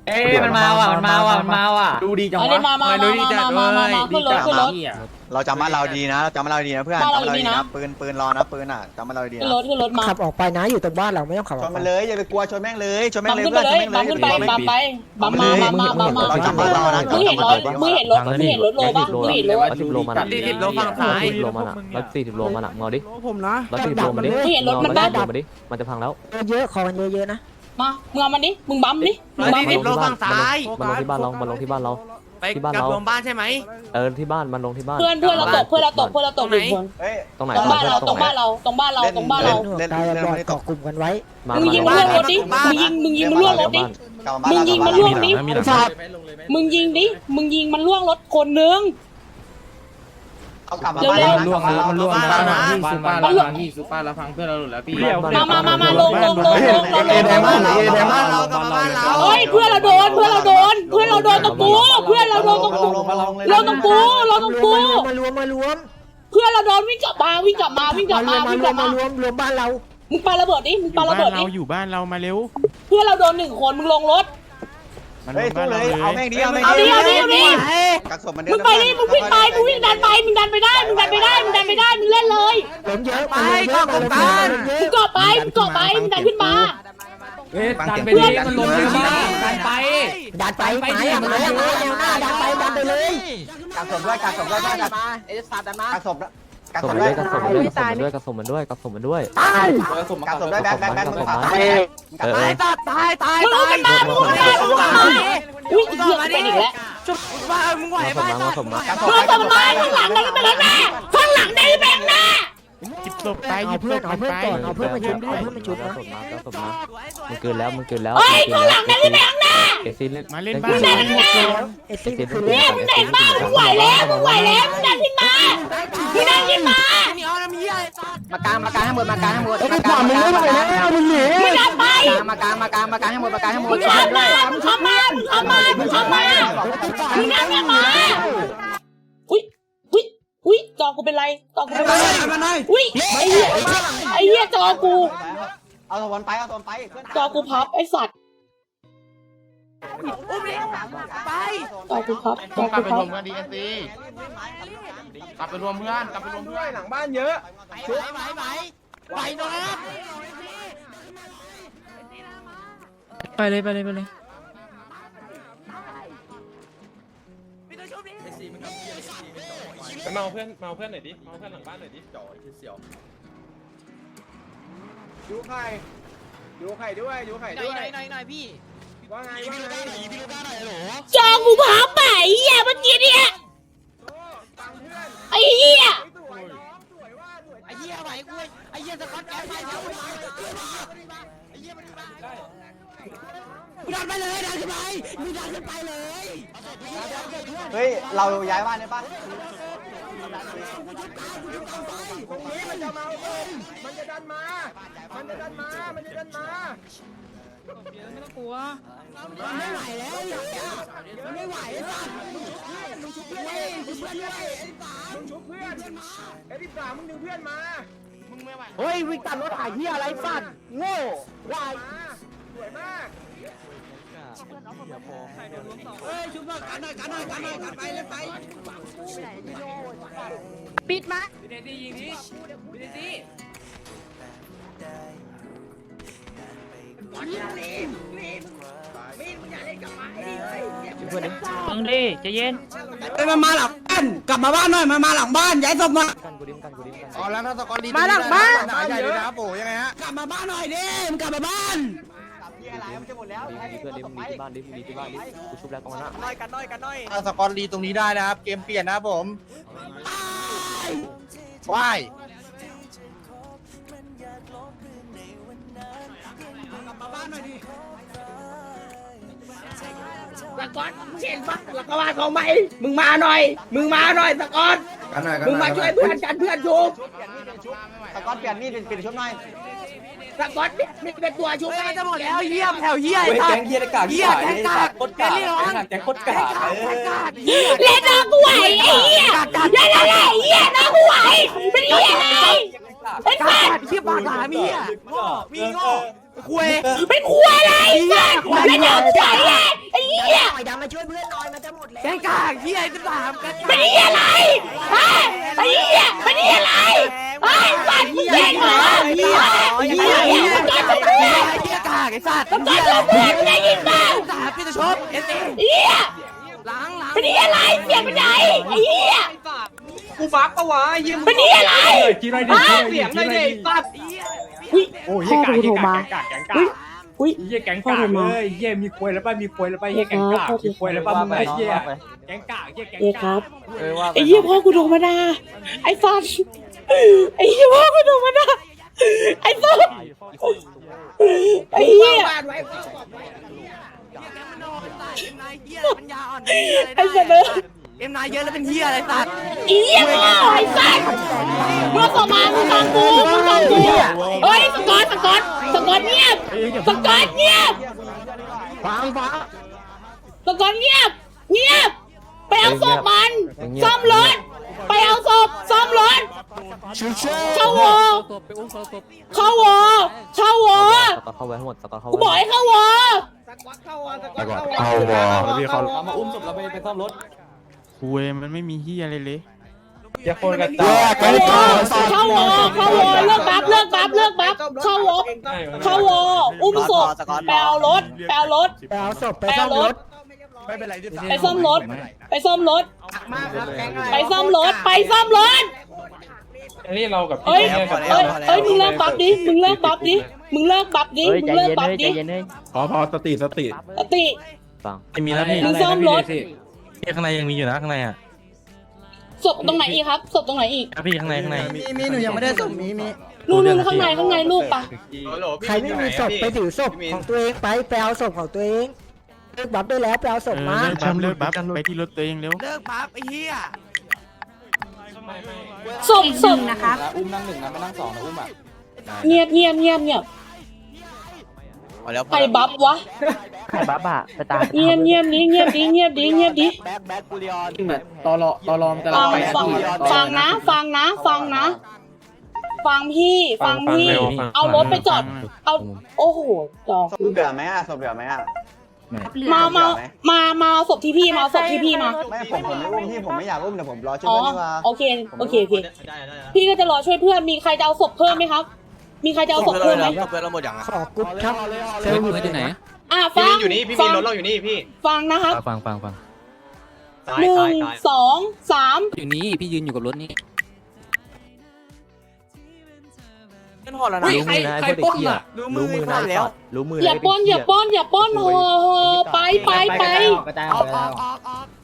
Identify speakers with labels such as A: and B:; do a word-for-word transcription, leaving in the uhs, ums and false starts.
A: เอ้ยมันมาว่ะมันมาว่ะมันมาว่ะ
B: ดูดีจัง
C: เอา
B: วะ
C: ดิมามามามามามามาขึ้นรถขึ้นรถ
D: เราจำบ้านเราดีนะเราจำบ้านเราดีนะเพื่อน
C: บ้าน
D: จำ
C: เรา
D: บ้านเรา
C: ดี
D: ดี
C: นะ
D: นะปืนปืนรอนะปืนอ่ะจำบ้านเราดี
C: ขึ้น
D: นะ
C: รถขึ้นรถมา
E: ขับออกไปนะอยู่ตรงบ้านเราไม่ต้องขับอ
D: ช
E: อก
D: น
E: ไป
D: มันเลยอย่าไปกลัวชนแม่งเลยชนแม่
C: บั
D: ง
C: ม
D: เลย
C: ขึ้น
D: เพื่
C: ไป
D: อน
C: เล
D: ชน
C: ย
D: แม่งเลย
C: บัมขึ้นไปบัมไปบัมมามามาบัมมามึงเห็นรถมึงเห็นรถมึงเห็นรถโลป่ะมึงเห็นรถ
F: ร้อยสิบโลมันอ่ะ
B: สี่สิบโลฝั่งซ้าย
F: ร้อยสิบโลมันอ่ะร้อยสี่สิบโลมันอ่ะเงาดิ
E: ผมนะ
F: ร้อยสี่สิบโลมันดิ
C: มึงเห็นรถมัน
F: ร้
C: บ้า
F: อยสี่สิบโลมันดิมันจะพังแล้ว
E: เยอะคอมันเยอะๆนะ
C: มามึงเอามันดิมึงบัมดิมึงบัม
B: สี่สิบโลฝั่งซ้าย
F: มันลงที่บ้านเรามันลงที่บ้านเรา
B: ไปกับรวมบ้านใช่ไหม
F: เออที่บ้านมันลงที่บ้าน
C: เพื่อนเพื่อนเราตกเพื่อนเราตกเพื่อนเราตกหนึ่งคน
D: เฮ้ย
F: ตรงไหน
C: ตรงบ้านเราตรงบ้านเราตรงบ้านเราตรงบ้านเรา
E: หน่วยกายบอดเกาะกลุ่มกันไว้
F: มา
C: มึงยิงมันล่วงรถดิมึงยิงมึงยิงมันล่วงรถดิ
D: กลับบ้าน
C: มึงยิงมันล่วงดิมึงยิงดิมึงยิงมันล่วงรถคนนึง
D: เอากลับมา
C: เร็ว
D: บ้าน
B: มันล่วงแล้วมันล่วงแล้วนะ
A: ซุปเปอร์เราพังพี่ซุปเปอร์เราพังเพื่อนเราหลุดแล้วพี่
C: มามามามาลงลงลงลงลง
B: เอเดมอนเอเดมอน
C: ล
B: เรา
C: ง
B: กลับมาบ้านเรา
C: เฮ้ยเพื่อนเราโดนเพื่อนเราโดนเพื่อนเราโดนตรงกูเพื่อนเราโดนตรงกู
D: ลงมาลงเลย
C: ลงตรงกูลงตรงกู
E: มารวมมารวม
C: เพื่อนเราโดนวิ่งกลับมาวิ่งกลับมาวิ่งกลับ
E: มาร
C: มาว
E: มมา
C: วิ่ง
E: ร
C: ก
E: ว
C: ลั
E: ม
C: บ
E: มา
C: มา
E: รวมรวมบ้านเรา
C: มึงปาระเบิดดิมึงปาระเบิดดิ
G: เราอยู่บ้านเรามาเร็ว
C: เพื่อนเราโดนหนึ่งคนมึงลงรถ
D: เฮ้ยสู้เลยเอาแม่งดิเอาแม่ง
C: เอาดิเอาดิเอาดิ
D: กักศพมัน
C: มึงไปดิมึงวิ่งไปมึงวิ่งดันไปมึงดันไปได้มึงดันไปได้มึงดันไปได้มึงเล่นเลย
E: เติมเยอะไปก็กลุ่มกัน
C: มึงเกาะไปมึงเกาะไปมึงดันขึ้นมา
A: เฮ้ยดันไปดิมันลงเลยมาดันไป
E: ดันไปไม้อะไม้อะไม้แนวหน้าดันไปดันไปเลย
D: กักศพด้วยกักศพด้วยกักเอสตาร์ดันมากักศพกัก
F: ก
D: ศ
F: ระ
D: พ
F: สม
D: ด้
F: มั
D: วน ย
F: ด้วยกระสมมันด้วยกระสมมันด้วยกระสมมันด้วย
E: ตาย
D: กักศพด้วยแบกแบกแบกมึงขับ
F: เออ
B: ตายตาย
C: มึงเอากันมามึงเอากันมามึงเอากันมาอุ้ยเหี้ยเป็นอีกแล้ว
B: ว่ามึงไหว
F: มาสมมาสมมา
C: เพื่อนต่อมาข้างหลังนั่นเป็นแล้วแม่ข้างหลังนี่เป็นแม่
G: หยิบศพไปห
E: เอา
G: ยิบศ
E: เพื่อน
G: พ
E: เอาเพื่อน
G: ไป
E: ก่อนเอาเพื่อนมาชุบเอาเพื่อนมาชุบ
F: กระ
E: นะ
F: สมมากระสมมามันเกินแล้วมันเกินแล้ว
C: เฮ้ยข้างหลังนั่นเป็นแม่แม่
F: เอซิเล่น
G: มาเล่นบ้าน
C: มึงดันขึ้นมา
E: เอซี่คือ
C: เนี่
E: เล่
C: ยมึงเด็กมากมึงไหวแล้วมึงไหวแล้วมึงดันขึ้นมามึงดันขึ้นมา
H: มากลางมากลางให้หมดมากลางให้หมด
E: ไอ้ขวามึงไม่ไหวแล้วมึงหนี
C: มึงดันไป
H: มากลางมากลางมากลางให้หมดมากลางให้หม
C: มึ
H: ด
C: งเข้ามามึงเข้ามามึงเข้ามามึงเข้ามามึงดันขึ้นมาอุ้ยอุ้ยอุ้ยจอกูเป็นไรจอกูเป็นไรอุ้ยไอ้เหี้ยไอ้เหี้ยจอกู
D: เอาสวรรค์ไปเอาสวรรค์ไป
C: จอกูพับไอ้สัตว์จอกูพับจอ
G: กลั
C: กู
G: บไป
C: พั
G: ร
C: บ
G: วมกันดีเอ็นซีกลับไปรวมเพื่อนกลับไปรวมเพื่อน
B: หลังบ้านเยอะ
A: ไปเลยไปเลยไปเลย
G: เมาเพื่อนเมาเพื่อนหน่อยดิเมาเพื่อนหลังบ้านหน่อยดิจ่อเสียว
B: ยูไข่ยูไข่ด้วยยูไข่ด้วย
H: หน่อยหน่อยหน่อยพี่
B: ว่าไงว่าไง
C: จอกูพับไปไอ้เหี้ยเมื่อกี้เนี่ยไอ้เหี้ย
H: ไอ้เหี้ยไหวกูไอ้เหี้ยสกอตแกไปแล้วดันไปเลยดันขึ้นไปมึงดันขึ้นไปเลย
D: เฮ้ยเราย้ายบ้านได้ปะ
B: ตรงนี้มันจะมาเอาผมมันจะดันมา มันจะดันมา มันจะดันมา
H: ไม่ไหวแล้วไม่ไหวแล้ว
B: มึงชุบเพื่อนมึงชุบเพื่อนด้วยมึงชุบเพื่อนไอ้ที่สามมึงดึงเพื่อนมา
H: เฮ้ยวิ่งตามรถถ่ายเหี้ยอะไรสัตว์โง่วาย
B: มาสวยมาก
C: ปิดมา
A: มึงดิใจเย็น
H: เอ้ยมันมาหลังบ้านกลับมาบ้านหน่อยมันมาหลังบ้านย้ายศพมา
F: กันกูดิ้มกันกูดิ้มกัน
B: อ๋อแล้วถ้าสกอตลี
H: มาหลังบ้าน
B: หนาใหญ่เลยนะโป๋ยังไงฮะ
H: กลับมาบ้านหน่อยดิมึงกลับมาบ้าน
D: ที่อะไรมันจะหมดแล้ว
F: ดิเพื่อนดิมึงดีที่บ้านดิมึงดีที่บ้านดิกูชุบแล้วกองหน้า
D: น้อยกันน้อยกันน้อย
B: ถ้าสกอตลีตรงนี้ได้นะครับ เกมเปลี่ยนนะครับผมว้าย
H: สกอตเห็นปะหลักบ้านของไหมมึงมาหน่อย มึงมาหน่อยสกอตมึงมาช่วยเพื่อนกันเพื่อนชุบ
D: ตะก้อนเปลี่ยนมีดเป็นชุบหน่อย
H: สกอตมีเป็นตัวชุบไม่จะหมดแล้วเยี่ยมแถว
A: เหี้ยแกงเหี้ยกากเหี้ยแกงกากโคตรกากแกงโคตรกาก
C: เล่นน้องกูไหวไอ้เหี้ยเล่นอะไรเหี้ยน้องกูไหวเป็นเหี้ยอะไรเป็นแฟน
H: เชี่ยปากหลามีอ่ะ
B: มีโง่คุย
C: เป็นครัวอะไรสัตว์เล่นน้องกูไหวไงไอ้
E: ช่วยเพื่อนหน่อยมันจะหมดแล้ว
H: แกงกากเฮียจะถามกัน
C: เป็นเหี้ยอะไรฮะไอ้เหี้ยเป็นเหี้ยอะไรไอ้สัตว์มึงเก่งเหรอเหี้ยไอ้เหี้ยไอ้เหี้ยมึงจะเพื่อน
H: เฮียกากไอ้สัตว์
C: มึงจะเพื่อนมึงได้ยินป่ะ
H: สาพี่จะชบเอสเอ
C: เหี้ย
H: หลังหลัง
C: เป็นเหี้ยอะไรเสียงเป็นไหนไอ้เหี้ย
H: กูบักปะวะเฮีย
C: เป็นเหี้ยอะไร
A: กินอะไรดิ
H: เสียงเลยดิสัตว์
C: อุ้ย
A: โอ้ย
C: พ่อกูโทรมา
A: แกงกากแกงกา
C: อุ้ย
A: ก
C: อุ้ย
A: เยี่ยแกงกากเลยเยี่ยมีควยแล้วป่ะมีควยแล้วป่ะเยี่ยแกงกากมีควยแล้วป่ะมึงไอ้เยี่ยแกงกากเยี่ยแกง
C: เอ๊ะค
A: กา
C: รั
A: ก
C: บ
D: เออว่า
C: ไอ้เหี้ยพ่อกูโทรมาด่าไอ้สัตว์ไอ้เหี้ยพ่อกูโทรมาด่าไอ้สัตว์ไอ้เหี้ย
H: บ้านไว้ไอ้
C: ไอ้สัตว์เลย
H: เอ็มนายเยอะแล้วเป็นเฮียอะไรสัตว์
C: ไอ้เหี้ยพ่อไอ้สัตว์มึงส่งมามึงฟังกูมึงฟังกูเฮ้ยสกอตสกอตสกอตเงียบสกอตเงียบ
E: ฟังฟัง
C: สกอตเงียบเงียบไปเอาศพมันซ่อมรถไปเอาศพซ่อมรถเข้าวอเข้าวอเข้าวอ
F: สกอตเข้าไว้ทั้งหมดสกอตเข้า
C: กูบอก
F: ไว้
C: ให้เข้าวอ
H: เข้าวอ
I: เอาวอ
A: พี่เขามาอุ้มศพเราไปไปซ่อมรถ
I: คุยมันไม่มีเฮียอะไรเลย
A: อย่าโคนกัน
E: แยกกันต่อ
C: เข้าวอเข้าวอเลิกบัฟเลิกบัฟเลิกบัฟเข้าวอเข้าวออุ้มศพไปเอารถไปเอารถ
E: ไปเอาศพไป
C: ไป
E: ซ่อ
C: เอา
E: ม
C: ร
E: ร
C: ถ
E: ถ
A: ไม่เป็นไรที่
C: ไปซ่อมรถไปซ่อมรถ
H: มากครับแกงอะไร
C: ไปซ่อมรถไปซ่อมรถ
A: อันนี้เรากับ
C: เอ้ย
A: เนี่ยกับ
C: เอ้ยเอ้ยมึงเลิกบัฟดิมึงเลิกบัฟดิมึงเลิกบัฟดิ
F: เฮ้ย
C: มึ
F: ใจ
C: งเลิก
F: เย็น
C: บัฟ
F: เลยใจ
C: ดิ
F: เย็นเลย
I: พอพอสติสติ
C: สติ
F: ฟัง
I: ไม่มีแล้วพี่
C: มึงซ่อมรถ
I: ข้างในยังมีอยู่นะข้างในอ่ะ
C: ศพตรงไหนอีกครับศพตรงไหนอีก
I: พี่ข้างในข้างใน
E: มีมีหนูยังไม่ได้ศพมีมี
C: นู่นนู่นข้างในข้างในลูกปะ
E: ใครไม่มีศพไปถือศพของตัวเองไปไปเอาศพของตัวเองเลิกบัฟได้แล้วไปเอาศพมา
I: เลิกบัฟเลิกบัฟไปที่รถตัวเองเร็ว
H: เลิกปั๊บไอ้เฮีย
C: ศพศพ
A: นะคะอุ้มนั่งหนึ่งนะไม่นั่งสองนะอุ้มอ่ะ
C: เงียบเงียบเงียบเงียบใครบัฟวะ
F: ใครบ้าบ้าไปตาย
C: เงียบเงียบดิเงียบดิเงียบดิเงียบดิ
D: แบ็คแบ็คกูริออน
A: ตอรอตอรอมกำลั
C: ฟั
A: ง
C: ง
A: ไป
C: ฟังฟังนะ ฟังนะ ฟังนะ ฟังพี่ฟังพี่ เอารถไปจอด เอาโอ้โหจอ
D: ศพเหลือไหมอ่ะศพเหลือไหมอ่ะ
C: มามามามาเอาศพที่พี่มาเอาศพที่พี่มา
D: ไม่ผมผมไม่อุ้มพี่ผมไม่อยากอุ้มแต่ผมรอช่วย
C: อ๋อ
D: เพื่อนดีกว่า
C: โอเคโอเคโอเคพี่ก็จะรอช่วยเพื่อนมีใครจะเอาศพเพิ่มไหมครับ มีใครจะเอาศพเพิ่มไหม
E: ขอกรุ๊ปครับเซลล์อยู่ไหน
C: อ่ะฟัง
G: อยู่นี่พี่มีรถเราอยู่นี่พี่
C: ฟังนะครับ
I: ฟังฟังฟัง
C: หนึ่งสองสาม
H: อยู่นี่พี่ยืนอยู่กับรถนี่
F: รู้มือนะไอ้พวกเด็กเหี้ยรู้มือนะรู้มือ
C: อย่าป้นอย่าป้นอย่าป้นโหโหไปไปไป
H: ออกออกออกออก